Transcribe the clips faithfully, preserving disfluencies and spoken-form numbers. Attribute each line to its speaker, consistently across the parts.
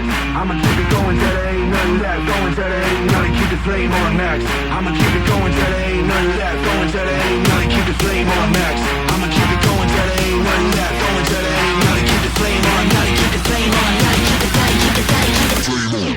Speaker 1: max. I'ma keep it going till there ain't nothing left. Going till there ain't nothing. Keep the flame on max. I'ma keep it going till there ain't nothing left. Going till there ain't nothing. Keep the flame on max. I'ma keep it going till there ain't nothing left. Going till there ain't nothing. Keep the flame on. Nothing. Keep the flame on. Nothing. Keep the flame. Keep the flame. Keep the flame on.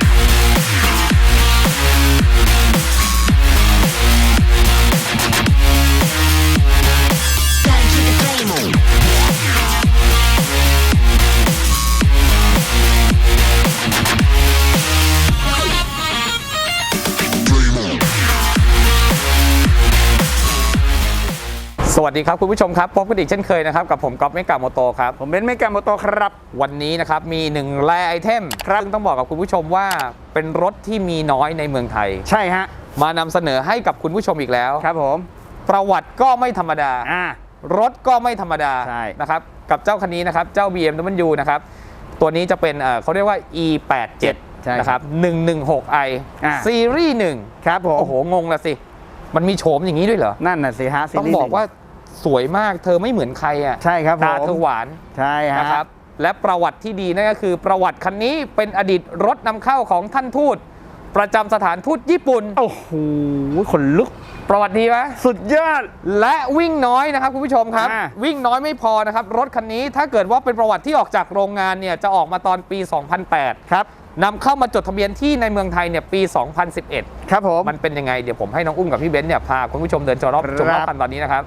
Speaker 2: สวัสดีครับคุณผู้ชมครับพบกันอีกเช่นเคยนะครับกับผมก๊อฟเมกะโมโตครับผมเบนซ์เมกะโมโตครับวันนี้นะครับมีหนึ่งแรไอเทมครับต้องบอกกับคุณผู้ชมว่าเป็นรถที่มีน้อยในเมืองไทย
Speaker 3: ใช่ฮะ
Speaker 2: มานำเสนอให้กับคุณผู้ชมอีกแล้ว
Speaker 3: ครับผม
Speaker 2: ประวัติก็ไม่ธรรมดา
Speaker 3: อ่
Speaker 2: ารถก็ไม่ธรรมดา
Speaker 3: ใช่
Speaker 2: นะครับกับเจ้าคันนี้นะครับเจ้า บี เอ็ม ดับเบิลยู นะครับตัวนี้จะเป็นเอ่อเขาเรียกว่า อี แปดสิบเจ็ด นะครับหนึ่งหนึ่งหก ไอ ซีรีส์หนึ่ง
Speaker 3: ครับผม
Speaker 2: โอ้โหงงละสิมันมีโฉมอย่างนี้ด้วยเหรอ
Speaker 3: นั่นน่ะสิฮะ
Speaker 2: ต้องบอกว่าสวยมากเธอไม่เหมือนใครอ่ะ
Speaker 3: ใช่ครับ
Speaker 2: ตาเธอหวาน
Speaker 3: ใช่ฮะ
Speaker 2: นะครับและประวัติที่ดีนั่นก็คือประวัติคันนี้เป็นอดีตรถนำเข้าของท่านทูตประจำสถานทูตญี่ปุ่น
Speaker 3: โอ้โหขนลุก
Speaker 2: ประวัติดีไหม
Speaker 3: สุดยอด
Speaker 2: และวิ่งน้อยนะครับคุณผู้ชมครับวิ่งน้อยไม่พอนะครับรถคันนี้ถ้าเกิดว่าเป็นประวัติที่ออกจากโรงงานเนี่ยจะออกมาตอนปี สองพันแปด
Speaker 3: ครับ
Speaker 2: นำเข้ามาจดทะเบียนที่ในเมืองไทยเนี่ยปี สองพันสิบเอ็ด
Speaker 3: ครับผม
Speaker 2: มันเป็นยังไงเดี๋ยวผมให้น้องอุ้มกับพี่เบนซ์เนี่ยพาคุณผู้ชมเดินชมรอบชมรอบคันตอนนี้นะครับ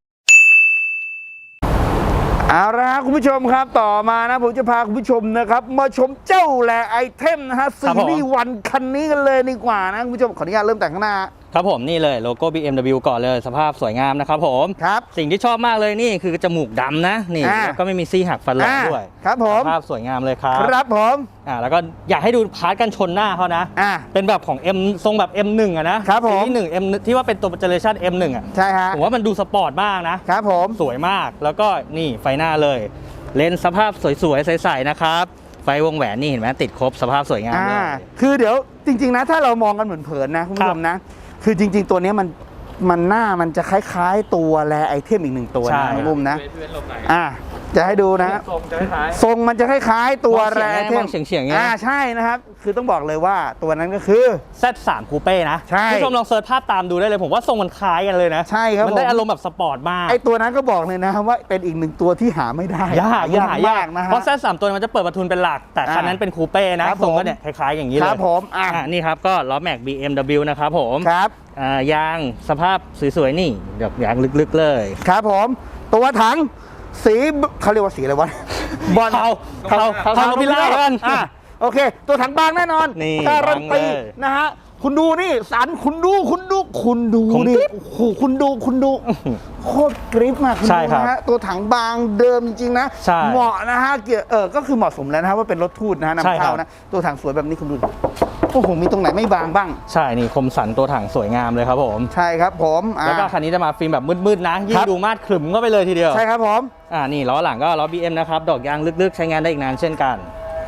Speaker 3: เอาละครับคุณผู้ชมครับต่อมานะผมจะพาคุณผู้ชมนะครับมาชมเจ้าแหล่ไอเทมนะฮะซีรีส์วันคันนี้กันเลยดีกว่านะคุณผู้ชมขออนุญาตเริ่มแต่งข้างหน้า
Speaker 4: ครับผมนี่เลยโลโก้ บี เอ็ม ดับเบิลยู ก่อนเลยสภาพสวยงามนะครับผม
Speaker 3: ครับ
Speaker 4: สิ่งที่ชอบมากเลยนี่คือจมูกดำนะนี่แล้วก็ไม่มีซี่หักฟันหลังด้วย
Speaker 3: ครับผม
Speaker 4: สภาพสวยงามเลยครับ
Speaker 3: ครับผม
Speaker 4: อ่าแล้วก็อยากให้ดูพาร์ทกันชนหน้าเขานะ
Speaker 3: อ่า
Speaker 4: เป็นแบบของ M ทรงแบบ เอ็ม หนึ่ง อ่ะนะครับ
Speaker 3: ผม
Speaker 4: ที่หนึ่ง M ที่ว่าเป็นตัวเจเนอเรชั่น เอ็ม หนึ่ง อ่ะ
Speaker 3: ใช่ฮะ
Speaker 4: ผมว่ามันดูสปอร์ตมากนะครับ
Speaker 3: ผม
Speaker 4: สวยมากแล้วก็นี่ไฟหน้าเลยเลนส์สภาพสวยๆใสๆนะครับไฟวงแหวนนี่เห็นไหมติดครบสภาพสวยงามเลย
Speaker 3: คือเดี๋ยวจริงๆนะถ้าเรามองกันเหมือนเผินนะคุณผู้ชมนะคือจริงๆตัวนี้มันมันหน้ามันจะคล้ายๆตัวแลไอเทมอีกหนึ่งตัวนะคุณผู้ชมนะอ่าจะให้ดูนะ
Speaker 2: ทรงจะคล้าย
Speaker 3: ทรงมันจะคล้ายๆตัวแลไอเทม
Speaker 4: เฉียงๆ
Speaker 3: อ่าใช่นะครับคือต้องบอกเลยว่าตัวนั้นก็คือ
Speaker 4: แซด สาม คูเป้นะ
Speaker 3: ใช่
Speaker 4: ผู้ชมลองเซิร์ชภาพตามดูได้เลยผมว่าทรงมันคล้ายกันเลยนะ
Speaker 3: ใช่ครับ
Speaker 4: มันได้อารมณ์แบบสปอร์ตมาก
Speaker 3: ไอตัวนั้นก็บอกเลยนะว่าเป็นอีกหนึ่งตัวที่หาไม่ได้
Speaker 4: ยากยาก
Speaker 3: มากนะ
Speaker 4: เพราะแซด สาม ตัวมันจะเปิดประทุนเป็นหลักแต่คันนั้นเป็นคูเป้นะทรงก็เนี่ยคล้ายๆอย่างนี้เลย
Speaker 3: ครับผมอ่า
Speaker 4: นี่ครับก็ล้อแม็ก บี เอ็ม ดับเบิลยู นะครับผม
Speaker 3: ครับ
Speaker 4: อ่ายางสภาพสวยๆนี่เดี๋ยวยางลึกๆเลย
Speaker 3: ครับผมตัวถังสีเขาเรียกว่าสีอะไรวะ
Speaker 4: บอลเทาเทาเทาโนบิล่ากัน
Speaker 3: อ่ะโอเคตัวถังบางแน่นอน
Speaker 4: นี่
Speaker 3: การันตีนะฮะคุณดูนี่สันคุณดูคุณดูคุณดูนี่โอ้โหคุณดูคุณดูโคตรกริปมากคุณดูนะฮะตัวถังบางเดิมจริงๆนะเหมาะนะฮะเกียร์เออก็คือเหมาะสมแล้วนะฮะว่าเป็นรถทูตนะฮะนำเข้านะตัวถังสวยแบบนี้คุณดูโอ้โหมีตรงไหนไม่บางบ้าง
Speaker 4: ใช่นี่คมสันตัวถังสวยงามเลยครับผม
Speaker 3: ใช่ครับผม
Speaker 4: แล้วก็คันนี้จะมาฟิล์มแบบมืดๆนะยิ่งดูมาดขรึมก็ไปเลยทีเดียว
Speaker 3: ใช่ครับผม
Speaker 4: อ่านี่ล้อหลังก็ล้อ บี เอ็ม นะครับดอกยางลึกๆใช้งานได้อีกนานเช่นกัน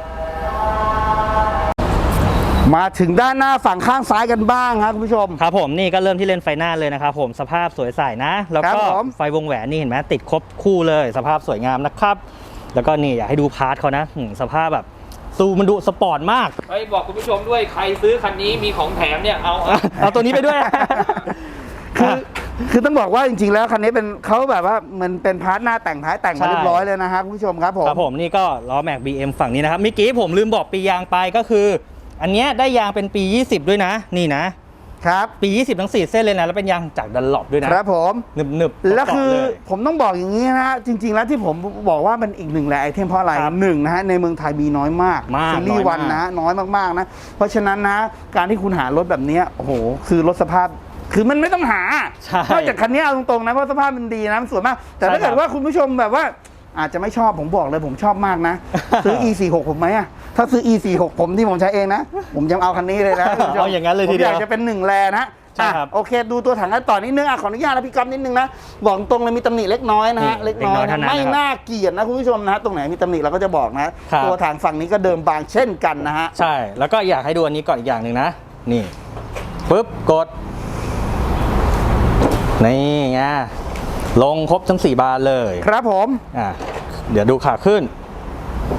Speaker 3: มาถึงด้านหน้าฝั่งข้างซ้ายกันบ้างครับคุณผู้ชม
Speaker 4: ครับผมนี่ก็เริ่มที่เลนส์ไฟหน้าเลยนะครับผมสภาพสวยใสนะแล้วก็ไฟวงแหวนนี่เห็นไหมติดครบคู่เลยสภาพสวยงามนะครับแล้วก็นี่อยากให้ดูพาร์ทเขานะสภาพแบบซูมันดูสปอร์ตมาก
Speaker 2: เฮ้ยบอกคุณผู้ชมด้วยใครซื้อคันนี้มีของแถมเนี่ยเอา
Speaker 4: เอาตัวนี้ไปด้วย
Speaker 3: คือคือต้องบอกว่าจริงๆแล้วคันนี้เป็นเขาแบบว่ามันเป็นพาร์ทหน้าแต่งท้ายแต่งมาเรียบร้อยเลยนะครับคุณผู้ชมครับผม
Speaker 4: ครับผมนี่ก็ล้อแม็ก บี เอ็ม ฝั่งนี้นะครับเมื่อกี้ผมลืมบอกปียางไปก็คืออันนี้ได้ยางเป็นปียี่สิบด้วยนะนี่นะครับปียี่สิบทั้งสี่เส้นเลยนะแล้วเป็นยางจากดันหลบด้วยนะครับ
Speaker 3: ผม
Speaker 4: หนึบ
Speaker 3: ๆแล้วคือผมต้องบอกอย่างนี้นะจริงๆแล้วที่ผมบอกว่ามันอีกหนึ่งแหละไอเทมเพราะอะไรหนึ่งนะฮะในเมืองไทยมีน้อยมากซีรีส์วันนะน้อยมากๆนะเพราะฉะนั้นนะการที่คุณหารถแบบนี้โอ้โหคือรถสภาพคือมันไม่ต้องหานอกจากคันนี้เอาตรงๆนะเพราะสภาพมันดีนะมันสวยมากแต่ถ้าเกิดว่าคุณผู้ชมแบบว่าอาจจะไม่ชอบผมบอกเลยผมชอบมากนะซื้อ อี สี่สิบหก ผมไหมอะถ้าซื้อ อี สี่สิบหก ผมที่ผมใช้เองนะผมยังเอาคันนี้เลยนะ
Speaker 4: เอาอย่างนั้นเลยทีเดียว
Speaker 3: ผมอยากจะเป็นหนึ่งแลนะ
Speaker 4: ใช่ครับ
Speaker 3: โอเคดูตัวถังกันต่อนิดนึงอ่ะขออนุญาตนะพี่ก๊อฟนิดนึงนะบอกตรงเลยมีตำหนิเล็กน้อยนะฮะเล็กน้อยไม่น่าเกลียดนะคุณผู้ชมนะตรงไหนมีตำหนิเราก็จะบอกนะตัวถังฝั่งนี้ก็เดิมบางเช่นกันนะฮะ
Speaker 4: ใช่แล้วก็อยากให้ดูอันนี้ก่อนอีกอย่างหนึ่งนะนี่ปึ๊บกดนี่ไงลงครบทั้งสี่บานเลย
Speaker 3: ครับผม
Speaker 4: อ่ะเดี๋ยวดูขาขึ้น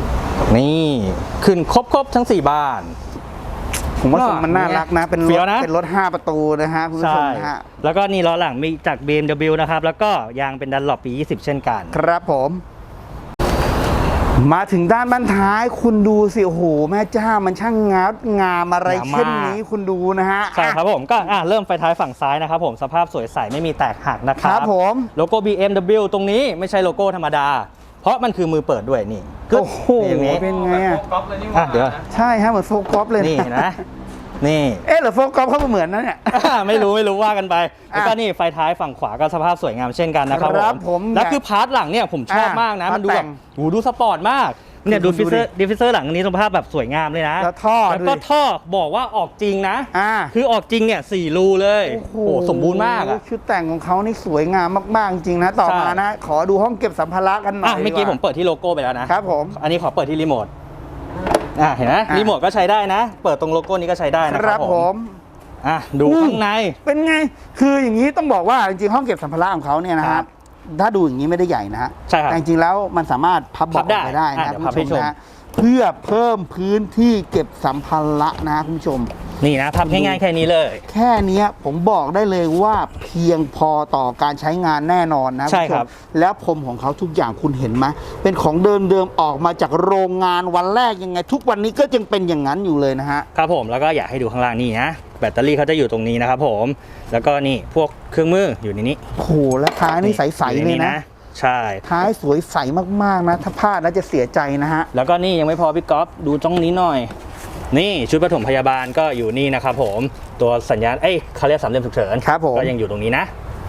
Speaker 4: นี่ขึ้นครบครบทั้งสี่บาน
Speaker 3: ผมว่าทรงมันน่ารักนะ เป็นร
Speaker 4: เฟี้ย
Speaker 3: ถ
Speaker 4: วนะ
Speaker 3: เป็นรถห้าประตูนะฮะคุณผู้ชม
Speaker 4: ใช่
Speaker 3: นะฮะ
Speaker 4: แล้วก็นี่ล้อหลังมีจาก บี เอ็ม ดับเบิลยู นะครับแล้วก็ยางเป็นดันหลอปปี ยี่สิบ เช่นกัน
Speaker 3: ครับผม มาถึงด้านบ้านท้ายคุณดูสิโอ้โหแม่เจ้ามันช่างงามงามอะไร
Speaker 4: งามมาก
Speaker 3: เช่นนี้คุณดูนะฮะ
Speaker 4: ใช่ครับผมก็อ่ะเริ่มไฟท้ายฝั่งซ้ายนะครับผมสภาพสวยใสไม่มีแตกหักนะค
Speaker 3: ค
Speaker 4: รั
Speaker 3: รั
Speaker 4: บบ
Speaker 3: ผม
Speaker 4: โลโก้ บี เอ็ม ดับเบิลยู ตรงนี้ไม่ใช่โลโก้ธรรมดา เพราะมันคือมือเปิดด้วยนี่กึ๊บ
Speaker 3: โอ้โห
Speaker 4: อย่างนี้
Speaker 3: เป็นไงอ่ะ
Speaker 2: ก๊อปเลยนี่
Speaker 4: อ่ะเดี๋ยว
Speaker 3: ใช่ฮะเหมือนโฟกัสเลย
Speaker 4: นี่นะ นี่
Speaker 3: เอ๊ะหรือโฟกัสเขาเหมือนนะเนี่ย
Speaker 4: ไม่รู้ไม่รู้ว่ากันไป แล้วก็นี่ไฟท้ายฝั่งขวาก็สภาพสวยงามเช่นกันนะครับ
Speaker 3: ครับผม
Speaker 4: แล้วคือพาร์ทหลังเนี่ยผมชอบ
Speaker 3: อ่ะ
Speaker 4: มากนะ
Speaker 3: พาร์ท
Speaker 4: มันดูแบบ
Speaker 3: แต่ง
Speaker 4: โหดูสปอร์ตมากเนี่ย
Speaker 3: ดู
Speaker 4: ดูฟิเซอร์
Speaker 3: ดูดิ
Speaker 4: ดิฟิเซอร์หลังอันนี้สภาพแบบสวยงามเลยนะ
Speaker 3: แล้วท่อ
Speaker 4: แล้วก็
Speaker 3: ดูดิ
Speaker 4: ท่อบอกว่าออกจริงนะ
Speaker 3: อ่า
Speaker 4: คือออกจริงเนี่ยสี่รูเลย
Speaker 3: โอ้โห
Speaker 4: โอ้โหสมบูรณ์มากอ่ะ
Speaker 3: ชุดแต่งของเขานี่สวยงามมากๆจริงนะต่อ
Speaker 4: ใช่
Speaker 3: มานะ ขอดูห้องเก็บสัมภาระกันหน่อ
Speaker 4: อ่ะ
Speaker 3: ย
Speaker 4: เมื่อกี้
Speaker 3: ดี
Speaker 4: ผมเปิดที่โลโก้ไปแล้วนะครับ
Speaker 3: ผม
Speaker 4: อันนี้ขอเปิดที่รีโมทอ่ะเห็นไหม
Speaker 3: อ่ะ
Speaker 4: รีโมทก็ใช้ได้นะ เปิดตรงโลโก้นี้ก็ใช้ได้
Speaker 3: ค
Speaker 4: นะค
Speaker 3: รั
Speaker 4: รั
Speaker 3: บบ ผ
Speaker 4: ผม
Speaker 3: ม
Speaker 4: อ่ะดู
Speaker 3: อืม
Speaker 4: ข้างใน
Speaker 3: เป็นไง คืออย่างนี้ต้องบอกว่าจริงๆห้องเก็บสัมภาระของเขาเนี่ยนะค
Speaker 4: ครั
Speaker 3: รับบ ถ้าดูอย่างนี้ไม่ได้ใหญ่นะฮะ
Speaker 4: ใช่ครับ
Speaker 3: แต่จริงๆแล้วมันสามารถพับเบาะ
Speaker 4: พับได้
Speaker 3: ออกไปได้
Speaker 4: อ่ะ
Speaker 3: นะ
Speaker 4: เดี๋ยว
Speaker 3: คุณ
Speaker 4: พับ
Speaker 3: ผู้ช
Speaker 4: ให้ชม
Speaker 3: มนะเพื่อเพิ่มพื้นที่เก็บสัมภาระนะคุณผู้ชม
Speaker 4: นี่นะพับง่ายๆแค่นี้เลย
Speaker 3: แค่เนี้ยผมบอกได้เลยว่าเพียงพอต่อการใช้งานแน่นอนนะ
Speaker 4: ใช่
Speaker 3: ณผู้
Speaker 4: ครับ
Speaker 3: แล้วพรมของเขาทุกอย่างคุณเห็นไหมเป็นของเดิมเดิมๆออกมาจากโรงงานวันแรกยังไง ทุกวันนี้ก็ยังเป็นอย่างนั้นอยู่เลยนะฮะ
Speaker 4: ครับผมแล้วก็อยากให้ดูข้างล่างนี่นะแบตเตอรี่เขาจะอยู่ตรงนี้นะครับผมแล้วก็นี่พวกเครื่องมืออยู่ในนี้
Speaker 3: โอ้โหแล้วท้ายนี่ใสๆเลยนะ
Speaker 4: ใช่
Speaker 3: ท้ายสวยใสมากๆนะ ถ้าพลาดแล้วจะเสียใจนะฮะ
Speaker 4: แล้วก็นี่ยังไม่พอพี่ก๊อฟดูตรงนี้หน่อย นี่ชุดปฐมพยาบาลก็อยู่นี่นะครับผมตัวสัญญาณเอ้ยเขาเรียกสามเหลี่ยมฉุกเฉิน
Speaker 3: ครับผม
Speaker 4: ก็ยังอยู่ตรงนี้นะ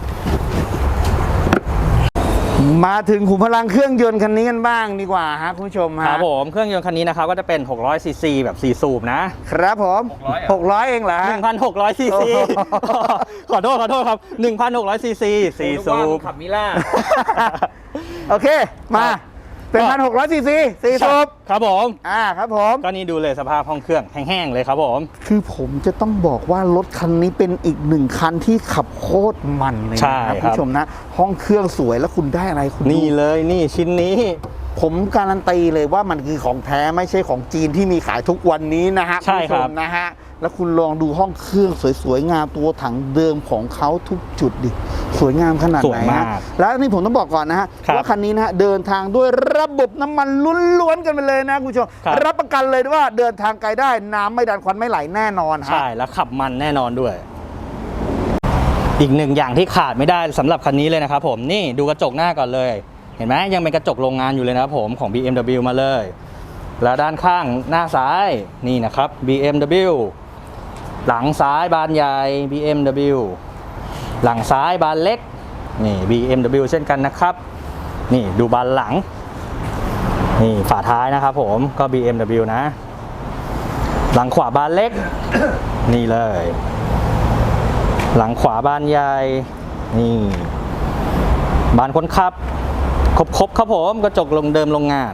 Speaker 3: มาถึงขุมพลังเครื่องยนต์คันนี้กันบ้างดีกว่าฮะคุณผู้ชม
Speaker 4: ค
Speaker 3: ฮะ
Speaker 4: รับผมเครื่องยนต์คันนี้นะครับก็จะเป็นหกร้อยซีซีแบบสี่สูบนะครับ
Speaker 3: ผมหกร้อยเองเหรอฮะ
Speaker 4: หนึ่งพันหกร้อยซีซี
Speaker 3: โอ้โห
Speaker 4: ขอโทษขอโทษครับหนึ่งพันหกร้อยซีซีสี่สูบ
Speaker 2: ขับมิล่า
Speaker 3: โอเค มา
Speaker 4: ครับ
Speaker 3: เป็น
Speaker 4: ก็
Speaker 3: พันหกร้อยซีซีสี่สูบ
Speaker 4: ครับผม
Speaker 3: อ่าครับผม
Speaker 4: ก็นี่ดูเลยสภาพห้องเครื่องแห้งๆเลยครับผม
Speaker 3: คือผมจะต้องบอกว่ารถคันนี้เป็นอีกหนึ่งคันที่ขับโคตรมันเลย
Speaker 4: ใช่
Speaker 3: นะครับ
Speaker 4: ค
Speaker 3: คุ
Speaker 4: รับ
Speaker 3: ณผู้ชมนะ ห้องเครื่องสวยแล้วคุณได้อะไรคุณดู
Speaker 4: นี่เลยนี่ชิ้นนี้
Speaker 3: ผมการันตีเลยว่ามันคือของแท้ไม่ใช่ของจีนที่มีขายทุกวันนี้นะฮะ
Speaker 4: ใช่ครับ
Speaker 3: ณผู้ชมนะฮะแล้วคุณลองดูห้องเครื่องสวยๆงามตัวถังเดิมของเขาทุกจุดดิสวยงามขนาด
Speaker 4: สว
Speaker 3: ไหน
Speaker 4: ยมา
Speaker 3: ฮะ
Speaker 4: ก
Speaker 3: แล้วนี่ผมต้องบอกก่อนนะฮะ
Speaker 4: ครับ
Speaker 3: ว่าคันนี้นะฮะเดินทางด้วยระบบน้ำมันล้วนๆกันไปเลยนะคุณผู้ชม
Speaker 4: ครับ
Speaker 3: รับประกันเลยว่าเดินทางไกลได้น้ำไม่ดันควันไม่ไหลแน่นอนฮะ
Speaker 4: ใช่แล้วขับมันแน่นอนด้วย อีกหนึ่งอย่างที่ขาดไม่ได้สำหรับคันนี้เลยนะครับผมนี่ดูกระจกหน้าก่อนเลย เห็นไหมยังเป็นกระจกโรงงานอยู่เลยนะครับผมของ บี เอ็ม ดับเบิลยู มาเลย แล้วด้านข้างหน้าซ้ายนี่นะครับ บี เอ็ม ดับเบิลยู หลังซ้ายบานใหญ่ บี เอ็ม ดับเบิลยู หลังซ้ายบานเล็กนี่ บี เอ็ม ดับเบิลยู เช่นกันนะครับ นี่ดูบานหลังนี่ฝาท้ายนะครับผมก็ บี เอ็ม ดับเบิลยู นะ หลังขวาบานเล็ก นี่เลย หลังขวาบานใหญ่นี่บานคนขับครบๆครับผมกระจกลงเดิมโรงงาน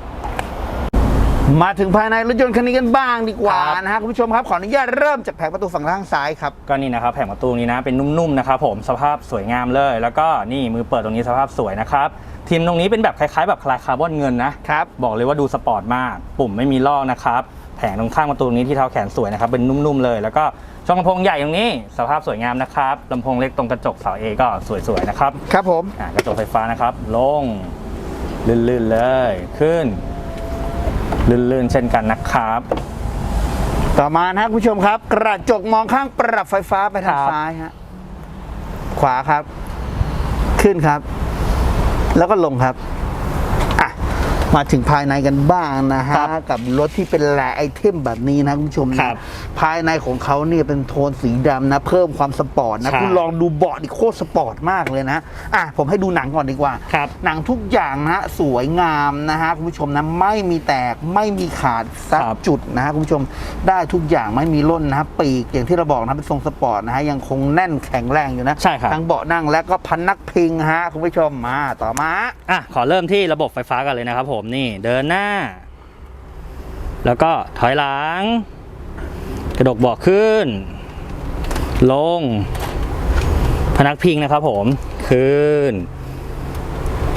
Speaker 3: มาถึงภายในรถยนต์คันนี้กันบ้างดีกว่า
Speaker 4: ครับ
Speaker 3: นะฮะคุณผู้ชมครับขออนุญาตเริ่มจากแผงประตูฝั่งข้างซ้ายครับ
Speaker 4: ก็นี่นะครับแผงประตูนี้นะเป็นนุ่มๆนะครับผมสภาพสวยงามเลย แล้วก็นี่มือเปิดตรงนี้สภาพสวยนะครับทีมตรงนี้เป็นแบบคล้ายๆแบบคลายคาร์บอนเงินนะครับ บอกเลยว่าดูสปอร์ตมากปุ่มไม่มีลอกนะครับแผงตรงข้างประตูนี้ที่เท้าแขนสวยนะครับเป็นนุ่มๆเลย แล้วก็ช่องลำโพงใหญ่ตรงนี้สภาพสวยงามนะครับลำโพงเล็กตรงกระจกเสาเอก็สวยๆนะครับ
Speaker 3: ครับผม
Speaker 4: อ่ะกระจกไฟฟ้านะครับลงลื่นๆเลยขึ้นลื่นๆเช่นกันนะครับ
Speaker 3: ต่อมานะคุณผู้ชมครับ กระจกมองข้างปรับไฟฟ้าไปทาง
Speaker 4: ครับ
Speaker 3: ซ้ายฮะขวาครับ ขึ้นครับ แล้วก็ลงครับอ่ะมาถึงภายในกันบ้างนะฮะ
Speaker 4: ครับ
Speaker 3: กับรถที่เป็นแหล่ไอเทมแบบนี้นะคุณผู้ชมนะครับ ภายในของเขาเนี่ยเป็นโทนสีดำนะ เพิ่มความสปอร์ตนะ
Speaker 4: ใช่
Speaker 3: คุณลองดูเบาะดิโคตรสปอร์ตมากเลยนะอ่ะผมให้ดูหนังก่อนดีกว่า
Speaker 4: ครับ
Speaker 3: หนังทุกอย่างนะสวยงามนะฮะคุณผู้ชมนะไม่มีแตกไม่มีขาดสัก
Speaker 4: ครับ
Speaker 3: จุดนะฮะคุณผู้ชมได้ทุกอย่างไม่มีร่นนะฮะปีกอย่างที่เราบอกนะเป็นทรงสปอร์ตนะฮะยังคงแน่นแข็งแรงอยู่นะ
Speaker 4: ใช่ครับ
Speaker 3: ทั้งเบาะนั่งและก็พันนักพิงฮะคุณผู้ชมมาต่อมา
Speaker 4: อ่ะขอเริ่มที่ระบบไฟฟ้ากันเลยนะครับผมนี่เดินหน้า แล้วก็ถอยหลัง กระดกเบาะขึ้น ลง พนักพิงนะครับผมขึ้น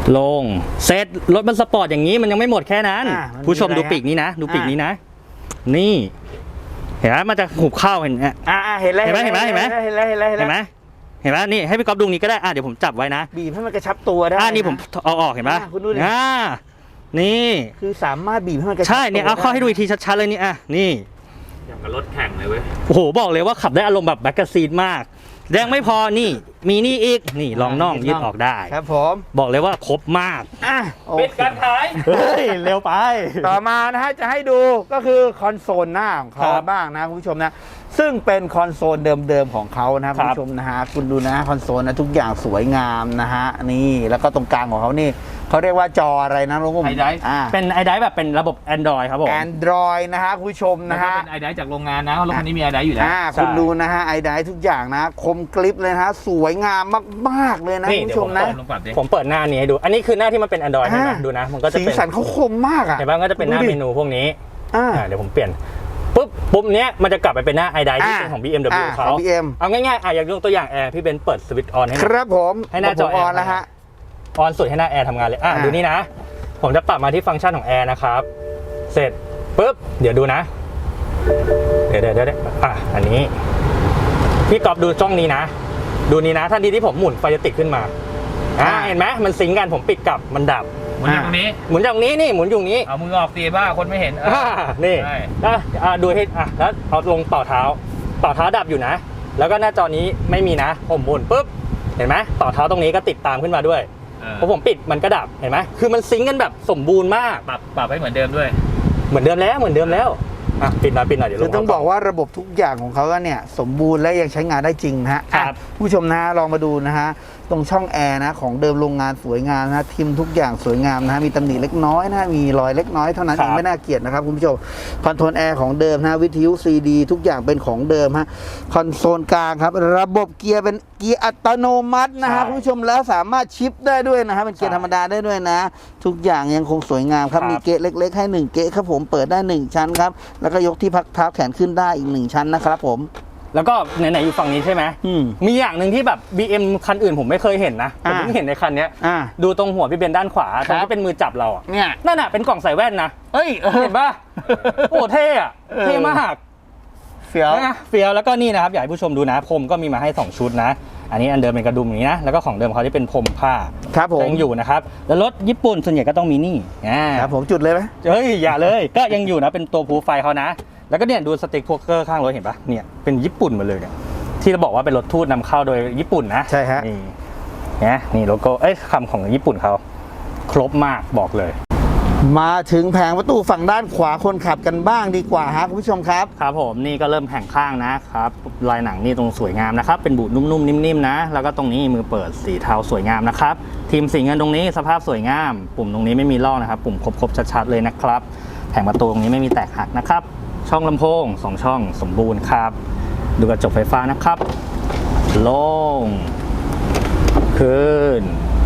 Speaker 4: ลงเซตรถมันสปอร์ตอย่างนี้มันยังไม่หมดแค่นั้น
Speaker 3: อ่ะมันมี
Speaker 4: ผู้ชม
Speaker 3: อะไร
Speaker 4: ดูปีกนี้นะ ดูปีกนี้นะ นี่ เห็นไหมมันจะหุบเข้าเห็นไหม
Speaker 3: อ่าเห็นแล้ว
Speaker 4: เห็นไหมเห็นไหมเห็นไหม
Speaker 3: เห็นแล้วเห็นแล้ว
Speaker 4: เห็นไหมเห็นไหมนี่ให้พี่ก๊อฟดูนี้ก็ได้อ่ะเดี๋ยวผมจับไว้นะ
Speaker 3: บีบให้มันกระชับตัวได้
Speaker 4: อ่ะนี่ผม
Speaker 3: ะ
Speaker 4: เอาออกเห็นไหม
Speaker 3: อ่ะคุณดูดิ
Speaker 4: อ่านี่
Speaker 3: คือสามารถบีบให้มันกระชับ
Speaker 4: ใช่เนี่ยเอาเข้าให้ดูอีกทีชัดๆเลยนี่อ่ะนี่
Speaker 2: อย่างกับรถแข่งเลยเว้ย
Speaker 4: โอ้โหบอกเลยว่าขับได้อารมณ์แบบแบ็กกาซีนมากยังไม่พอนี่มีนี่อีกนี่รองน่องยืดออกได้
Speaker 3: ครับผม
Speaker 4: บอกเลยว่าครบมาก
Speaker 3: อ่ะโอเค
Speaker 2: ปิดการขาย
Speaker 4: เฮ้ยเร็วไป
Speaker 3: ต่อมานะฮะจะให้ดูก็คือคอนโซลหน้าของเขา
Speaker 4: ครับ
Speaker 3: บ้างนะคุณผู้ชมนะซึ่งเป็นคอนโซลเดิมๆของเขานะคุณผู้ชมนะฮะคุณดูนะคอนโซลนะทุกอย่างสวยงามนะฮะนี่แล้วก็ตรงกลางของเขานี่เขาเรียกว่าจออะไรนะลุงกุ้ม
Speaker 2: iDrive
Speaker 3: อ่า
Speaker 4: เป็นไอไดแบบเป็นระบบ Android ครับผม
Speaker 3: Android นะฮะคุณผู้ชม
Speaker 2: นะ
Speaker 3: นะ
Speaker 2: ฮะ
Speaker 3: ฮะ
Speaker 2: เป็นไอไดจากโรงงานนะเพราะรถคันนี้มีไอไดอยู่แล้ว
Speaker 3: อ่า
Speaker 4: ใช่
Speaker 3: คุณดูนะฮะไอไดทุกอย่างนะคมกริบเลยนะฮะสวยงามมากๆเลยนะ
Speaker 4: นี่
Speaker 3: คุณ
Speaker 4: เดี๋
Speaker 3: ผู้
Speaker 4: ยว
Speaker 3: ชมนะ
Speaker 2: ลองปรับดิ
Speaker 4: ผมเปิดหน้านี้ให้ดู อันนี้คือหน้าที่มันเป็น Android ใช่ไหม
Speaker 3: อ่า
Speaker 4: ดูนะ มันก็จะ
Speaker 3: สี
Speaker 4: เป็น
Speaker 3: สันเขาคมมากอ่ะ
Speaker 4: เห็นป่ะก็จะเป็นหน้า
Speaker 3: ดูดิ
Speaker 4: เมนูพวกนี้
Speaker 3: อ่า
Speaker 4: อ่าเดี๋ยวผมเปลี่ยนปุ๊บปุ๊บเนี้ยมันจะกลับไปเป็นหน้าไอไดที่
Speaker 3: อ่า
Speaker 4: เป็นของ บี เอ็ม ดับเบิลยู
Speaker 3: อ่า
Speaker 4: เขา
Speaker 3: ของ บี เอ็ม
Speaker 4: เอาง่ายๆอ่ะอยากยกตัวอย่างแอร์พี่เบนซ์เปิดสวิตช์ออนให้ห
Speaker 3: ค
Speaker 4: น่อย
Speaker 3: รับผม
Speaker 4: ให้หน้าจอ
Speaker 3: ผมออน
Speaker 4: แอร์
Speaker 3: แล้วฮะ
Speaker 4: ออนสุดให้หน้าแอร์ทำงานเลยอ่ะ
Speaker 3: อ่า
Speaker 4: ดูนี่นะ ผมจะปรับมาที่ฟังก์ชันของแอร์นะครับเสร็จปุ๊บเดี๋ยวดูนะ เดี๋ยวเดี๋ยวเดี๋ยวอ่ะอันนี้พี่กอบดูจ้องนี้นะ ดูนี้นะทันทีที่ผมหมุนไฟจะติดขึ้นมาอ่าเห็นไหมมันซิงก์กันผมปิดกลับมันดับ
Speaker 2: หมุนอย่างตรงนี้
Speaker 4: หมุนจากนี้นี่หมุนอยู่นี้
Speaker 2: เอามือออกสิบ้าคนไม่เห็นเออ
Speaker 4: อ่านี่
Speaker 2: ใช่
Speaker 4: อ่ะอ่ะดูให้อ่ะแล้วเอาลงต่อเท้า ต่อเท้าดับอยู่นะ แล้วก็หน้าจอนี้ไม่มีนะผมหมุนปุ๊บเห็นไหมต่อเท้าตรงนี้ก็ติดตามขึ้นมาด้วย
Speaker 2: เออ
Speaker 4: พอผมปิดมันก็ดับเห็นไหมคือมันซิงก์กันแบบสมบูรณ์มาก
Speaker 2: ปรับปรับให้เหมือนเดิมด้วย
Speaker 4: เหมือนเดิมแล้วเหมือนเดิมแล้วอ่ะปิดหน่อยปิดหน่อยเดี๋ยวล
Speaker 3: คือง ต้องบอกว่าระบบทุกอย่างของเขาเนี่ยสมบูรณ์และยังใช้งานได้จริงนะฮะ
Speaker 4: ครับ
Speaker 3: อ่ะผู้ชมนะฮะลองมาดูนะฮะตรงช่องแอร์นะของเดิมโรงงานสวยงามนะทิมทุกอย่างสวยงามนะฮะมีตำหนิเล็กน้อยนะฮะมีรอยเล็กน้อยเท่านั้น
Speaker 4: ครั
Speaker 3: เอบ งไม่น่าเกลียดนะครับคุณผู้ชมคอนโทรลแอร์ของเดิมนะวิทยุซีดีทุกอย่างเป็นของเดิมฮะคอนโซลกลางครับระบบเกียร์เป็นเกียร์อัตโนมัตินะฮะคุณผู้ชมแล้วสามารถชิปได้ด้วยนะฮะเป็นเกียร์ธรรมดาได้ด้วยนะ ทุกอย่างยังคงสวยงามครับมีเกะเล็ก ๆ ให้หนึ่งเกะครับผมเปิดได้หนึ่งชั้นครับแล้วก็ยกที่พักเท้าแขนขึ้นได้อีกหนึ่งชั้นนะครับผม
Speaker 4: แล้วก็ไหนๆอยู่ฝั่งนี้ใช่ไหม
Speaker 3: อืม
Speaker 4: มีอย่างหนึ่งที่แบบ บี เอ็ม คันอื่นผมไม่เคยเห็นนะผม
Speaker 3: อ่า
Speaker 4: เพิ่งเห็นในคันเนี้ย
Speaker 3: อ่า
Speaker 4: ดูตรงหัวพี่เบนด้านขวาตรง
Speaker 3: ครั
Speaker 4: ที่
Speaker 3: บ
Speaker 4: เป็นมือจับเราอะ
Speaker 3: เนี่ย
Speaker 4: นั่นน่ะเป็นกล่องใส่แว่นนะ
Speaker 3: เอ้ยเออ
Speaker 4: เห็นป่ะ โอ้เท่อะ
Speaker 3: เออ
Speaker 4: เท่มาก
Speaker 3: เฟี้ยว
Speaker 4: นะเฟียวแล้วก็นี่นะครับอยากให้ผู้ชมดูนะพรมก็มีมาให้สองชุดนะ อันนี้อันเดิมเป็นกระดุมอย่างนี้นะแล้วก็ของเดิมเขาที่เป็นพรมผ้า
Speaker 3: ครับผม
Speaker 4: ยังอยู่นะครับแล้วรถญี่ปุ่นส่วนใหญ่ก็ต้องมีนี่อ่า
Speaker 3: ครับผมจุดเลยไหม
Speaker 4: เฮ้ยอย่าเลย ก็ยังอยู่นะเป็นตัวพูไฟเขานะ แล้วก็เนี่ยดูสติ๊กพวกเกอร์ข้างรถเห็นปะเนี่ยเป็นญี่ปุ่นหมดเลยเนี่ยที่เราบอกว่าเป็นรถทูตนำเข้าโดยญี่ปุ่นนะ
Speaker 3: ใช่ฮะ
Speaker 4: นี่นะนี่โลโก้เอ้ยคำของญี่ปุ่นเขาครบมากบอกเลย
Speaker 3: มาถึงแผงประตูฝั่งด้านขวาคนขับกันบ้างดีกว่าฮะคุณผู้ชมครับ
Speaker 4: ครับผมนี่ก็เริ่มแข่งข้างนะครับลายหนังนี่ตรงสวยงามนะครับเป็นบูดนุ่มๆนิ่มๆนะแล้วก็ตรงนี้มือเปิดสีเทาสวยงามนะครับทีมสีเงินตรงนี้สภาพสวยงาม ปุ่มตรงนี้ไม่มีลอกนะครับปุ่มครบๆชัดๆเลยนะครับแผงประตูตรงนี้ไม่มีแตกหักนะครับช่องลำโพงสองช่องสมบูรณ์ครับดูกระจกไฟฟ้านะครับลงขึ้น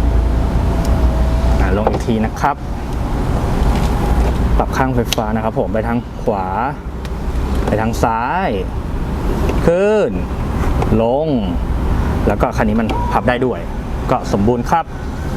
Speaker 4: อ่ะลงอีกทีนะครับปรับข้างไฟฟ้านะครับผมไปทางขวาไปทางซ้ายขึ้นลงแล้วก็คันนี้มันพับได้ด้วยก็สมบูรณ์ครับ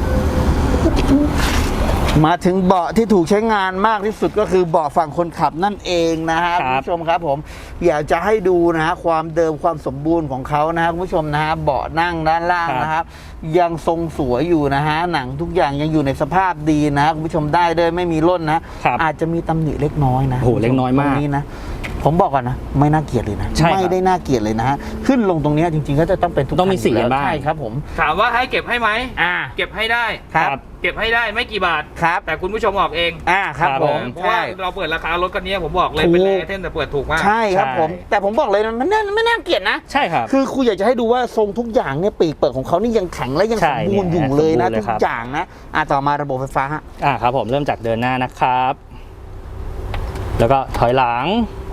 Speaker 3: มาถึงเบาะที่ถูกใช้งานมากที่สุดก็คือเบาะฝั่งคนขับนั่นเองนะฮะ
Speaker 4: ค
Speaker 3: คุ
Speaker 4: รั
Speaker 3: ณ
Speaker 4: บ
Speaker 3: ผู้ชมครับผมอยากจะให้ดูนะฮะความเดิมความสมบูรณ์ของเขานะฮะคุณผู้ชมนะฮะเบาะนั่งด้านล่างนะครับยังทรงสวยอยู่นะฮะหนังทุกอย่างยังอยู่ในสภาพดีนะฮะคุณผู้ชมได้เลยไม่มีร่นนะครับ อาจจะมีตำหนิเล็กน้อยนะ
Speaker 4: โอ้โหเล็กน้อยมาก
Speaker 3: ตรงนี้นะผมบอกก่อนนะไม่น่าเกลียดเลยนะ
Speaker 4: ใช่ครับ
Speaker 3: ไม่ได้น่าเกลียดเลยนะฮะขึ้นลงตรงเนี้ยจริงๆก็จะต้องเป็นทุก
Speaker 4: ต้องมี
Speaker 3: คัน
Speaker 4: สี
Speaker 3: ยู่แล้ว
Speaker 4: บ้าง
Speaker 3: ใช่ครับผม
Speaker 2: ถามว่าให้เก็บให้ไหม
Speaker 3: อ่า
Speaker 2: เก็บให้ได้
Speaker 3: ครับ
Speaker 2: เก็บให้ได้ไม่กี่บาท
Speaker 3: ครับ
Speaker 2: แต่คุณผู้ชมออกเอง
Speaker 3: อ่าครับ
Speaker 4: ครับ
Speaker 3: ผ
Speaker 4: ผม ม
Speaker 2: เพราะว่า
Speaker 3: ใช่
Speaker 2: เราเปิดราคารถคันนี้ผมบอกเลย
Speaker 3: ถูก
Speaker 2: เป็นแรไอเทมแต่เปิดถูกมาก
Speaker 3: ใช่ครับ
Speaker 4: ใช่
Speaker 3: ผม แต่ผมบอกเลยนะมันน่าไม่น่าเกลียดนะ
Speaker 4: ใช่ครับ
Speaker 3: คือครูอยากจะให้ดูว่าทรงทุกอย่างเนี่ยปีกเปิดของเขานี่ยังแข็งและยัง
Speaker 4: ใช่
Speaker 3: สมบูรณ์
Speaker 4: เนี่
Speaker 3: อย ยู่เลยนะ
Speaker 4: สมบูรณ์เลย
Speaker 3: ทุ
Speaker 4: ครั
Speaker 3: ก
Speaker 4: บ
Speaker 3: อย่างนะอ่ะต่อมาระบบไฟฟ้าฮะ
Speaker 4: อ่าครับผมเริ่มจากเดินหน้านะครับ แล้วก็ถอยหลัง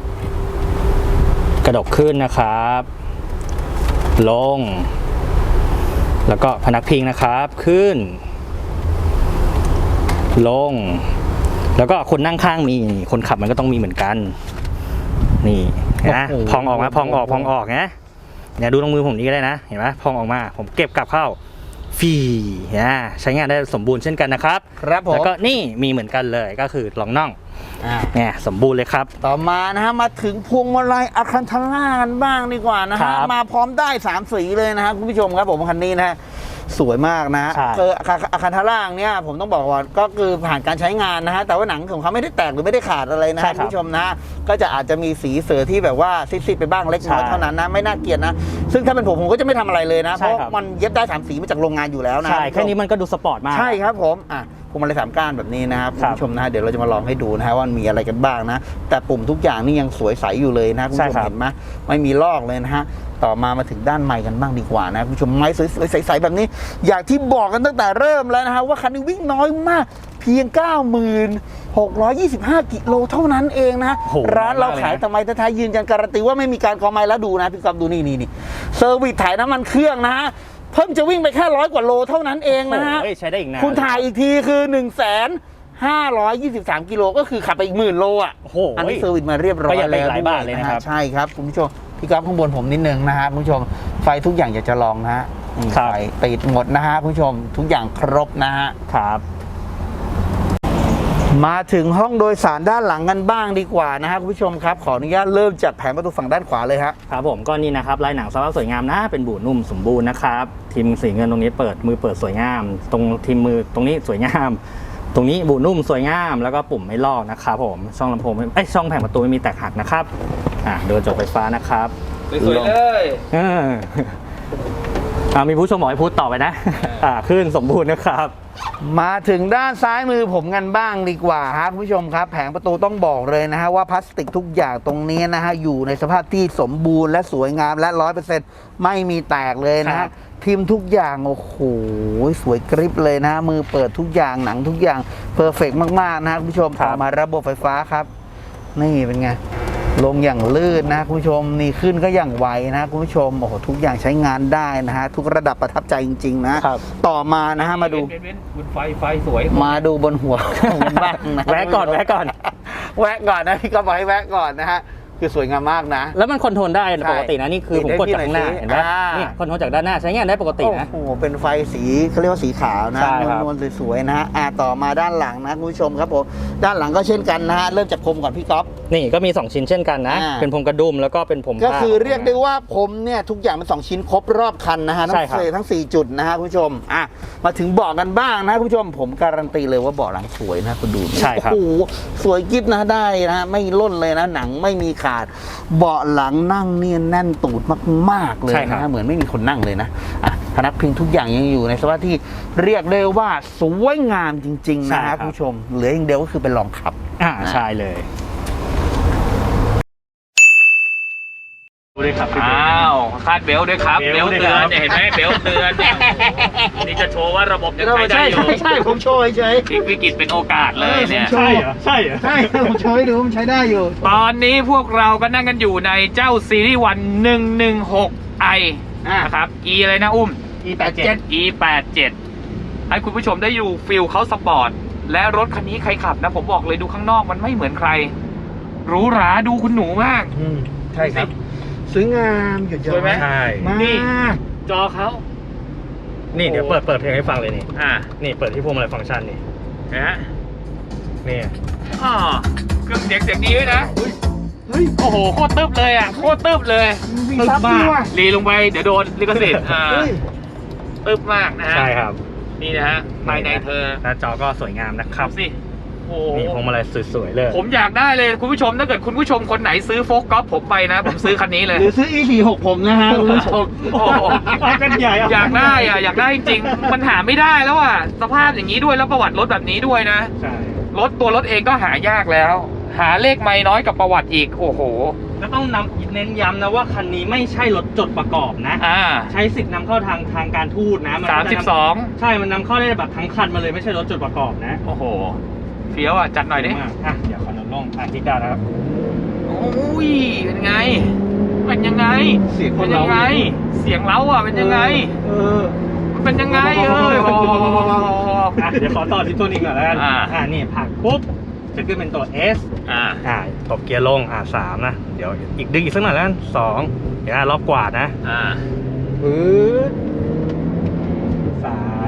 Speaker 4: กระดกขึ้นนะครับ ลง แล้วก็พนักพิงนะครับขึ้น ลง แล้วก็คนนั่งข้างมีนี่คนขับมันก็ต้องมีเหมือนกัน นี่นะ
Speaker 3: โอ้โห
Speaker 4: พองออกมาพองออกพองออกนะเนี่ยดูตรงมือผมนี้ก็ได้นะเห็นไหมพองออกมา ผมเก็บกลับเข้าฟีอ่าใช้งานได้สมบูรณ์เช่นกันนะครับ
Speaker 3: ครับผม
Speaker 4: แล้วก็นี่มีเหมือนกันเลยก็คือรองน่อง
Speaker 3: อ่า
Speaker 4: เนี่ยสมบูรณ์เลยครับ
Speaker 3: ต่อมานะฮะมาถึงพวงมาลัยอะคันทาร่ากันบ้างดีกว่านะ
Speaker 4: ครั
Speaker 3: ฮะ
Speaker 4: บ
Speaker 3: มาพร้อมได้สามสีเลยนะฮะคุณผู้ชมครับผมคันนี้นะฮะสวยมากนะฮะ
Speaker 4: ใช่
Speaker 3: คืออะคันทาร่าเนี่ยผมต้องบอกว่าก็คือผ่านการใช้งานนะฮะแต่ว่าหนังของเขาไม่ได้แตกหรือไม่ได้ขาดอะไรนะ
Speaker 4: ใช่
Speaker 3: ฮะ
Speaker 4: ครับ
Speaker 3: คุณผู้ชมนะก็จะอาจจะมีสีเสือที่แบบว่าซิดๆไปบ้างเล็กน้อย
Speaker 4: ใช่
Speaker 3: เท่านั้นนะไม่น่าเกลียดนะซึ่งถ้าเป็นผมผมก็จะไม่ทำอะไรเลยนะเพ
Speaker 4: ใช่
Speaker 3: ราะ
Speaker 4: ครับ
Speaker 3: มันเย็บได้สามสีมาจากโรงงานอยู่แล้วนะ
Speaker 4: ใช่แค่นี้มันก็ดูสปอร์ตมาก
Speaker 3: ใช่ครับผมอ่ะพวงมาลัยสามก้านแบบนี้นะครับคุ
Speaker 4: ค
Speaker 3: ณ
Speaker 4: รับ
Speaker 3: ผู้ชมนะฮะเดี๋ยวเราจะมาลองให้ดูนะฮะว่ามันมีอะไรกันบ้างนะแต่ปุ่มทุกอย่างนี่ยังสวยใสอยู่เลยนะคุณผู้ชม
Speaker 4: ใช่ครับ
Speaker 3: เห็นไหมไม่มีลอกเลยนะฮะต่อมามาถึงด้านไมค์กันบ้างดีกว่านะคุณผู้ชมไมค์สวยๆใสๆแบบนี้ อย่างที่บอกกันตั้งแต่เริ่มแล้วนะฮะว่าคันนี้วิ่งน้อยมาก เพียง เก้าหมื่นหกร้อยยี่สิบห้า กิโลเท่านั้นเองนะ
Speaker 4: โอ้โห
Speaker 3: ร้านเรา
Speaker 4: มากเลยนะ
Speaker 3: ขายแต่ไมค์ไทยๆยืนยันการันตีว่าไม่มีการคอไมค์แล้วดูนะพี่กอฟดูนี่นี่นี่เซอร์วิสถ่ายน้ำมันเครื่องนะฮะเพิ่งจะวิ่งไปแค่ร้อยกว่าโลเท่านั้นเองนะฮะ
Speaker 4: โอ้ยใช้ได้อีกนาน
Speaker 3: คุณถ่ายอีกทีคือ 1 5 2 3 กิโลก็คือขับไปอีกหมื่นโลอ่ะ
Speaker 4: โอ้โห
Speaker 3: อันนี้เซอร์วิสมาเรียบร้อย
Speaker 4: ประหยัดไป
Speaker 3: แล้ว
Speaker 4: หลายบาทเลยนะครับ
Speaker 3: ใช่ครับคุณผู้ชมพี่ก๊อฟข้างบนผมนิดนึงนะฮะคุณผู้ชมไฟทุกอย่างอยากจะลองนะฮะนี่
Speaker 4: ครับ
Speaker 3: ไฟติดหมดนะฮะคุณผู้ชมทุกอย่างครบนะฮะ
Speaker 4: ครับ
Speaker 3: มาถึงห้องโดยสารด้านหลังกันบ้างดีกว่านะฮะคุณผู้ชมครับขออนุญาตเริ่มจากแผงประตูฝั่งด้านขวาเลยฮะ
Speaker 4: ครับผมก็นี่นะครับลายหนังสภาพสวยงามนะเป็นบูนุ่มสมบูรณ์นะครับทีมสีเงินตรงนี้เปิดมือเปิดสวยงาม ตรงทีมมือตรงนี้สวยงาม ตรงนี้บูนุ่มสวยงาม แล้วก็ปุ่มไม่ลอกนะครับผมช่องลำโพงไม่เอ้ยช่องแผงประตูไม่มีแตกหักนะครับอ่าโดนจกไฟฟ้านะครับ
Speaker 2: สวยๆเลย
Speaker 4: เอออ่ามีผู้ชมบอกให้พูดต่อไปนะอ่าขึ้นสมบูรณ์นะครับ
Speaker 3: มาถึงด้านซ้ายมือผมกันบ้างดีกว่าครับคุณผู้ชมครับแผงประตูต้องบอกเลยนะฮะว่าพลาสติกทุกอย่างตรงนี้นะฮะอยู่ในสภาพที่สมบูรณ์และสวยงามและร้อยเปอร์เซ็นต์ไม่มีแตกเลยนะ
Speaker 4: ครั
Speaker 3: ฮะ
Speaker 4: บ
Speaker 3: พิมพ์ทุกอย่างโอ้โหสวยกริบเลยนะมือเปิดทุกอย่างหนังทุกอย่างเพอร์เฟกมากๆนะคุณผู้ชมต่อมาระบบไฟฟ้าครับ นี่เป็นไงลงอย่างลื่นนะคุณผู้ชมนี่ขึ้นก็อย่างไวนะคุณผู้ชมโอ้โหทุกอย่างใช้งานได้นะฮะทุกระดับประทับใจจริงๆนะครับ ต่อมานะฮะมาดู
Speaker 2: เว้นๆบนไฟไฟสวย
Speaker 3: มาดูบนหัวของมันบ้างนะ
Speaker 4: แวะก่อนแวะก่อน
Speaker 3: แวะก่อนนะพี่ก็บอกให้แวะก่อนนะฮะคือสวยงามมากนะ
Speaker 4: แล้วมันคอนโทรลได้
Speaker 3: ใช่
Speaker 4: ปกตินะนี่คือผมกดจากข้างหน้า
Speaker 3: ปิดให้พี่หน่อยสิ
Speaker 4: เห็นไหม
Speaker 3: อ่า
Speaker 4: นี่คอนโทรลจากด้านหน้าใช้งานได้ปกตินะ
Speaker 3: โอ้โหเป็นไฟสีเขาเรียกว่าสีขาวนะ
Speaker 4: ใช่ครับ
Speaker 3: นวลๆสวยๆนะฮะอ่าต่อมาด้านหลังนะคุณผู้ชมครับผมด้านหลังก็เช่นกันนะฮะเริ่มจากพรมก่อนพี่ก๊อฟ
Speaker 4: นี่ก็มีสองชิ้นเช่นกันนะ
Speaker 3: อ่า
Speaker 4: เป็นพรมกระดุมแล้วก็เป็นผม
Speaker 3: ก็
Speaker 4: ผ้า
Speaker 3: คือเรียกได้ว่าผมเนี่ยทุกอย่างเป็นสองชิ้นครบรอบคันนะฮะทั้
Speaker 4: ใช่
Speaker 3: ง
Speaker 4: ครับ
Speaker 3: สี่ทั้งสี่จุดนะฮะคุณผู้ชมอ่ะมาถึงเบาะกันบ้างนะคุณผู้ชมผมการันตีเลยว่าเบาะหลังสวยนะคุณดู
Speaker 4: ใช่ครับ
Speaker 3: โอ้โหสวยกิ๊บนะได้นะฮะไม่ล่นเลยนะหนังไม่มีขาดเบาะหลังนั่งเนียนแน่นตูดมากๆเลย
Speaker 4: ใช่ครั
Speaker 3: นะ
Speaker 4: บ
Speaker 3: ฮะเหมือนไม่มีคนนั่งเลยนะอ่ะพนักพิงทุกอย่างยังอยู่ในสภาพที่เรียกได้ว่าสวยงามจริงๆนะฮะคุณผู้ชมเหลืออย่างเดียวก็คือเป็นรองขับ
Speaker 4: อ่าใช่เลยดูเลยครับ
Speaker 2: อ้าวคาดเบลต์ด้วยครับ
Speaker 4: เบ
Speaker 2: เบ
Speaker 4: ล
Speaker 2: ล
Speaker 4: ต์
Speaker 2: ต์
Speaker 4: ด้วย
Speaker 2: เตือ
Speaker 4: ครั
Speaker 2: น
Speaker 4: บ
Speaker 2: เนี่ยเห็นไหมเบลต์เตือนเนี่ยนี่จะโชว์ว่าระบบยังใช้ได้
Speaker 3: ใช่
Speaker 2: อยู่
Speaker 3: ใช่ใช่ผมโชว์เฉย
Speaker 2: พลิกวิกฤตเป็นโอกาสเลยเนี่ย
Speaker 3: ใช่
Speaker 4: ใช่เหรอใช่เหรอ
Speaker 3: ใช่ผมโชว์ให้ดูมันใช้ได้อยู่
Speaker 2: ตอนนี้พวกเราก็นั่งกันอยู่ในเจ้าซีรีส์วันหนึ่งหนึ่งหกไอ
Speaker 3: อ่ะ
Speaker 2: นะครับ E อะไรนะอุ้ม
Speaker 3: อีแปดเจ็ด
Speaker 2: E แปดเจ็ดให้คุณผู้ชมได้ดูฟิลเขาสปอร์ต และรถคันนี้ใครขับนะ ผมบอกเลยดูข้างนอกมันไม่เหมือนใครหรูหราดูคุณหนูมาก
Speaker 3: ใช่ครับสวยงามหยุดย้อ
Speaker 2: สวยไหม
Speaker 4: ใช่
Speaker 3: มาก
Speaker 2: นี่ จอเขา
Speaker 4: นี่เดี๋ยวเปิดเปิดเพลงให้ฟังเลยนี่
Speaker 2: อ่า
Speaker 4: นี่เปิดที่พวงมาลัยฟังก์ชันนี่
Speaker 2: นะฮะ
Speaker 4: นี่
Speaker 2: อ๋อเครื่องเสียงเสียงดีด้วยนะ
Speaker 3: เฮ้ย
Speaker 2: โอ้โห โคตรตึบเลยอ่ะ โคตรตึบเลย
Speaker 3: มีซับด้วยว่ะ
Speaker 2: รีลงไปเดี๋ยวโดนลิขสิทธิ์อ่า
Speaker 3: เฮ้ย
Speaker 2: ตึบมากนะฮะ
Speaker 4: ใช่ครับ
Speaker 2: นี่นะฮะภายในเธอ
Speaker 4: หน้าจอก็สวยงามนะครับ
Speaker 2: ดูสิโอ้โห
Speaker 4: นี่พวงมาลัยสวยๆเลย
Speaker 2: ผมอยากได้เลยคุณผู้ชมถ้าเกิดคุณผู้ชมคนไหนซื้อโฟกกอล์ฟผมไปนะ ผมซื้อคันนี้เลย
Speaker 3: หรือซื้อ อี สี่หก ผมนะฮะคุณผู้ชม
Speaker 2: โอ้โห
Speaker 4: เอากันใหญ่เอา
Speaker 2: อยากได้อ่ะอยากได้จริงๆมันหาไม่ได้แล้วอ่ะสภาพอย่างนี้ด้วยแล้วประวัติรถแบบนี้ด้วยนะ
Speaker 4: ใช่
Speaker 2: รถตัวรถเองก็หายากแล้ว หาเลขไม่น้อยกับประวัติอีกโอ้โห
Speaker 4: แล้วต้องนำเน้นย้ำนะว่าคันนี้ไม่ใช่รถจดประกอบนะ
Speaker 2: อ่า
Speaker 4: ใช้สิทธิ์นำเข้าทางทางการทูตนะน
Speaker 2: สาม
Speaker 4: ก็
Speaker 2: สิ
Speaker 4: จะ
Speaker 2: บ
Speaker 4: นำ
Speaker 2: สอง
Speaker 4: ใช่มันนำเข้าได้แบบทั้งคันมาเลยไม่ใช่รถจดประกอบนะ
Speaker 2: โอ้โหเฟี้ยวอ่ะจัดหน่อยดิ
Speaker 4: มากอ่ะเดี๋ยวขอนุนลงอ่ะที่ดาวนะครับ
Speaker 2: โอ้ยเป็นไงเป็นยังไง
Speaker 3: เสียงค
Speaker 2: เป็น น
Speaker 3: เรา
Speaker 2: ยังไง เสียงเล้าอ่ะเป็นยังไง
Speaker 3: เออ
Speaker 2: มันเป็นยังไงเอ้ย
Speaker 4: อ่ะเดี๋ยวขอต่อที่ตัวนี้ก่อนแล้วกัน
Speaker 2: อ่า
Speaker 4: อ่านี่ผลักปุ๊บจะขึ้นเป็นตัว S
Speaker 2: อ่า
Speaker 4: อ่าตบเกียร์ลงอ่าสามนะเดี๋ยวอีกดึงอีกสักหน่อยแล้วกันสองเดี๋ยวอ่ะรอบกวาดนะ
Speaker 2: อ่า
Speaker 4: ปื๊ดสาม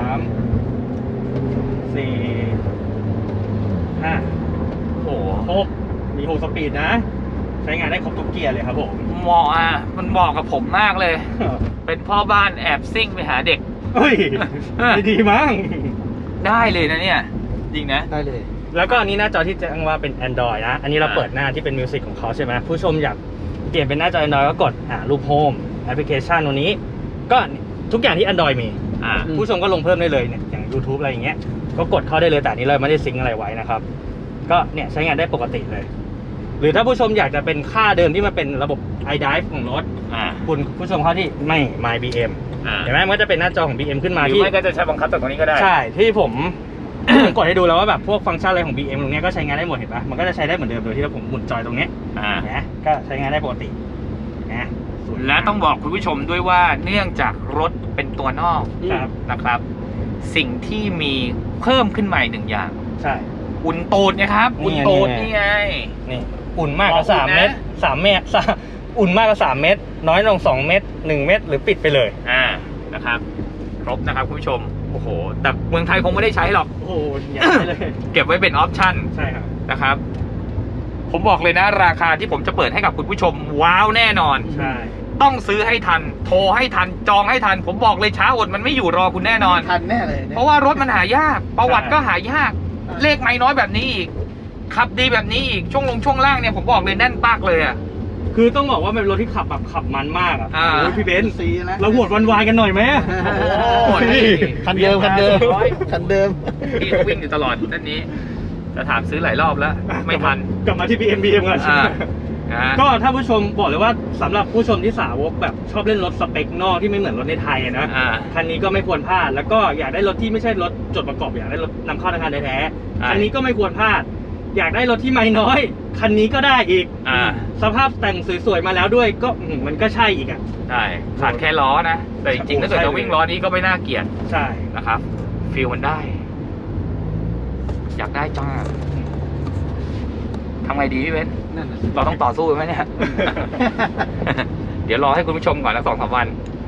Speaker 4: สี่ห้า
Speaker 2: โอ้โห
Speaker 4: หกมีหกสปีดนะ ใช้งานได้ครบทุกเกียร์เลยครับผม
Speaker 2: เหมาะอ่ะมันเหมาะกับผมมากเลย เป็นพ่อบ้านแอบซิ่งไปหาเด็ก
Speaker 4: เฮ้ยไม่ดีมั้ง
Speaker 2: ได้เลยนะเนี่ยจริงนะ
Speaker 3: ได้เลย
Speaker 4: แล้วก็อันนี้หน้าจอที่แจ้งว่าเป็น Android นะ อันนี้เรา
Speaker 2: อ่า
Speaker 4: เปิดหน้าที่เป็นมิวสิกของเขาใช่ไหมผู้ชมอยากเปลี่ยนเป็นหน้าจอ Android ก็กดอ่ารูปโฮมแอปพลิเคชันตัวนี้ ก็ทุกอย่างที่ Android มี
Speaker 2: อ่า
Speaker 4: ผู้ชมก็ลงเพิ่มได้เลยเนี่ยอย่าง YouTube อะไรอย่างเงี้ยก็กดเข้าได้เลยแต่อันนี้เราไม่ได้ซิงค์อะไรไว้นะครับ ก็เนี่ยใช้งานได้ปกติเลย หรือถ้าผู้ชมอยากจะเป็นค่าเดิมที่มันเป็นระบบ iDrive ของรถ
Speaker 2: อ่า
Speaker 4: คุณผู้ชมเข้าที่ไม่ My บี เอ็ม
Speaker 2: อ่า
Speaker 4: เห็นไหมมันก็จะเป็นหน้าจอของ บี เอ็ม ขึ้นมา
Speaker 2: หรือ
Speaker 4: ที่
Speaker 2: ไม่ก็จะใช้บังคับจากตรงนี้ก็ได้
Speaker 4: ใช่ที่ผม ผมกดให้ดูแล้วว่าแบบพวกฟังก์ชันอะไรของ บี เอ็ม ตรงเนี้ยก็ใช้งานได้หมดเห็นปะมันก็จะใช้ได้เหมือนเดิมโดยที่ผมหมุนจอยตรงเนี้ย
Speaker 2: อ่า
Speaker 4: นะก็ใช้งานได้ปกตินะสวย
Speaker 2: และต้องบอกคุณผู้ชมด้วยว่าเนื่องจากรถเป็นตัวนอก
Speaker 4: ครับ
Speaker 2: นะครับ สิ่งที่มีเพิ่มขึ้นใหม่หนึ่งอย่าง
Speaker 4: ใช่
Speaker 2: อุ่นตูดนะครับ
Speaker 4: นี่
Speaker 2: อุ่น
Speaker 4: ไง
Speaker 2: ตูด
Speaker 4: นี่
Speaker 2: นี่
Speaker 4: ไง
Speaker 2: ไง
Speaker 4: นี่อุ่นมากกว่า
Speaker 2: อ๋ออุ่น
Speaker 4: สาม
Speaker 2: นะ
Speaker 4: เมตรสามเมตรสามอุ่นมากกว่าสามเมตร น้อยลงสองเมตรหนึ่งเมตรหรือปิดไปเลย
Speaker 2: อ่านะครับครบนะครับคุณผู้ชมโอ้โหแต่เมืองไทยคงไม่ได้ใช้หรอก
Speaker 4: โอ้โหใหญ่าไปเลย
Speaker 2: เก็บไว้เป็นออปชั่น
Speaker 4: ใช่ครับ
Speaker 2: นะครับ ผมบอกเลยนะราคาที่ผมจะเปิดให้กับคุณผู้ชมว้าวแน่นอน
Speaker 4: ใช่
Speaker 2: ต้องซื้อให้ทัน โทรให้ทันจองให้ทัน ผมบอกเลยช้าอดมันไม่อยู่รอคุณแน่นอน
Speaker 3: ทันแน่เลยเนี่ย
Speaker 2: เพราะว่ารถมันหายาก ประวัติก็หายาก เลขไม่น้อยแบบนี้อีกขับดีแบบนี้อีกช่วงลงช่วงล่างเนี่ยผมบอกเลยแน่นปากเลยอ่ะ
Speaker 4: คือต้องบอกว่ามันเป็นรถที่ขับแบบขับมันมากอ่ะ
Speaker 2: อ่า
Speaker 4: โอ้ยพี่เบนซ์
Speaker 3: สีนะ
Speaker 4: เราโหวตวันวายกันหน่อยไหม
Speaker 2: โอ้โหนี่
Speaker 3: คันเดิมคันเดิม
Speaker 2: ร้อย
Speaker 3: คันเดิม
Speaker 2: พี่เขาวิ่งอยู่ตลอดด้านนี้ จะถามซื้อหลายรอบแล้ว ไม่ทัน
Speaker 4: กลับมาที่ บี เอ็ม บี เอ็ม กัน
Speaker 2: อ่านะฮะ
Speaker 4: ก็ถ้าผู้ชมบอกเลยว่าสำหรับผู้ชมที่สาวกแบบชอบเล่นรถสเปคนอกที่ไม่เหมือนรถในไทยอะนะ
Speaker 2: อ่า
Speaker 4: คันนี้ก็ไม่ควรพลาด แล้วก็อยากได้รถที่ไม่ใช่รถจดประกอบอยากได้รถนำเข้าธนาคารแท้ๆ
Speaker 2: ใช่
Speaker 4: คันนี้ก็ไม่ควรพลาด อยากได้รถที่ไม่น้อย คันนี้ก็ได้อีก
Speaker 2: อ่า
Speaker 4: สภาพแต่งสวยๆมาแล้วด้วยก็อืมมันก็ใช่อีกอ่ะ
Speaker 2: ใช่ขาดแค่ล้อนะ แต่จริงๆถ้าเกิดจะวิ่งล้อนี้ก็ไม่น่าเกลียด
Speaker 4: ใช่
Speaker 2: นะครับฟิลมันได้ อยากได้จ้าทำไงดีพี่เว้น
Speaker 3: นั่นน่ะสิ
Speaker 2: เราต้องต่อสู้ไหมเนี่ย เดี๋ยวรอให้คุณผู้ชมก่อนนะสองสามวัน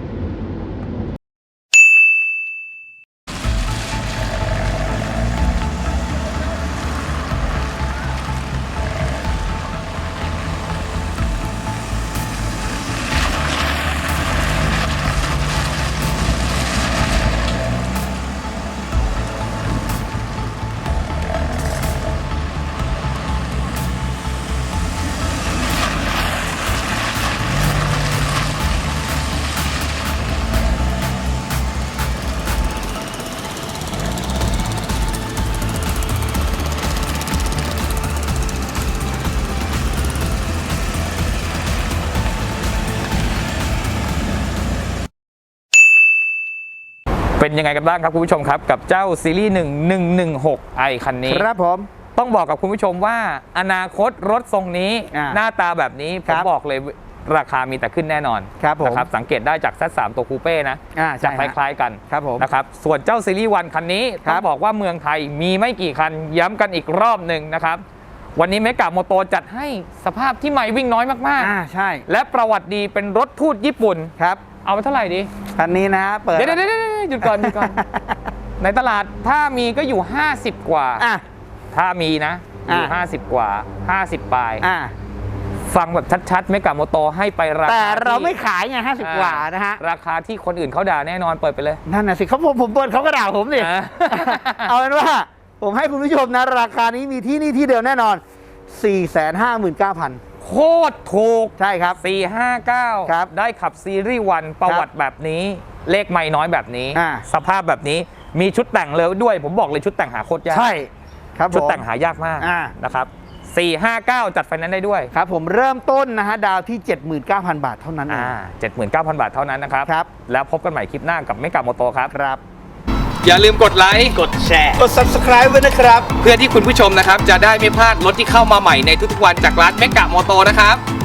Speaker 2: เป็นยังไงกันบ้างครับคุณผู้ชมครับ กับเจ้าซีรีส์หนึ่ง หนึ่ง หนึ่ง หก ไอคันนี้
Speaker 3: ครับผม
Speaker 2: ต้องบอกกับคุณผู้ชมว่าอนาคตรถทรงนี้
Speaker 3: อ่า
Speaker 2: หน้าตาแบบนี้ผ
Speaker 3: ครั
Speaker 2: ม
Speaker 3: บ
Speaker 2: บอกเลยราคามีแต่ขึ้นแน่นอน
Speaker 3: ครับผม
Speaker 2: นะครับสังเกตได้จาก แซด สาม ตัวคูเป้นะ
Speaker 3: อ่า
Speaker 2: จะ
Speaker 3: ใช่
Speaker 2: ค
Speaker 3: ฮะ
Speaker 2: ล้ายๆกัน
Speaker 3: ครับผม
Speaker 2: นะครับส่วนเจ้าซีรีส์วันคันนี้
Speaker 3: ครั
Speaker 2: ต้
Speaker 3: บ
Speaker 2: องบอกว่าเมืองไทยมีไม่กี่คันย้ำกันอีกรอบหนึ่งนะครับวันนี้เมกะโมโตจัดให้สภาพที่ใหม่วิ่งน้อยมาก
Speaker 3: อ่าใช่
Speaker 2: ๆ และประวัติดีเป็นรถทูตญี่ปุ่น
Speaker 3: ครับ
Speaker 2: เอาไปเท่าไหร่ดี
Speaker 3: คันนี้นะเปิด
Speaker 2: เดี๋ยวเดี๋ยวเดี๋ยวหยุดก่อนหยุดก่อน ในตลาดถ้ามีก็อยู่ ห้าสิบ กว่า
Speaker 3: อ่ะ
Speaker 2: ถ้ามีนะ อยู่
Speaker 3: อ่ะ
Speaker 2: ห้าสิบ กว่า ห้าสิบ ปลาย
Speaker 3: อ่ะ
Speaker 2: ฟังแบบชัดๆ เมกะโมโตให้ไปราคา
Speaker 3: แต่เรา
Speaker 2: ที่
Speaker 3: ไม่ขายไงห้าสิบกว่านะฮะ
Speaker 2: ราคาที่คนอื่นเขาด่าแน่นอนเปิดไปเลย
Speaker 3: นั่นน่ะสิเขาผมผมเปิดเขาก็ด่าผมดิ
Speaker 2: อ่ะ
Speaker 3: เอาเป็นว่าผมให้คุณผู้ชมนะ ราคานี้มีที่นี่ที่เดียวแน่นอน สี่แสนห้าหมื่นเก้าพัน
Speaker 2: โคตรถูก
Speaker 3: ใช่ครับ
Speaker 2: สี่ห้าเก้า
Speaker 3: ครับ
Speaker 2: ได้ขับซีรีส์วันประวัติแบบนี้ เลขไม่น้อยแบบนี้
Speaker 3: อ่า
Speaker 2: สภาพแบบนี้มีชุดแต่งเลยด้วย ผมบอกเลยชุดแต่งหาโคตรยาก
Speaker 3: ใช่ครับผม
Speaker 2: ชุดแต่งหายากมาก
Speaker 3: อ่า
Speaker 2: นะครับสี่ห้าเก้าจัดไฟแนนซ์ได้ด้วย
Speaker 3: ครับผมเริ่มต้นนะฮะดาวที่ เจ็ดหมื่นเก้าพัน บาทเท่านั้นเอง
Speaker 2: อ่าเจ็ดหมื่นเก้าพัน บาทเท่านั้นนะครับ
Speaker 3: ครับ
Speaker 2: แล้วพบกันใหม่คลิปหน้ากับเมกะโมโตครับ
Speaker 3: ครับ
Speaker 2: อย่าลืมกดไลค์
Speaker 4: กดแชร์
Speaker 3: กด subscribe ไว้นะครับ
Speaker 2: เพื่อที่คุณผู้ชมนะครับ จะได้ไม่พลาดรถที่เข้ามาใหม่ในทุกๆวันจากร้านเมกะโมโตนะครับ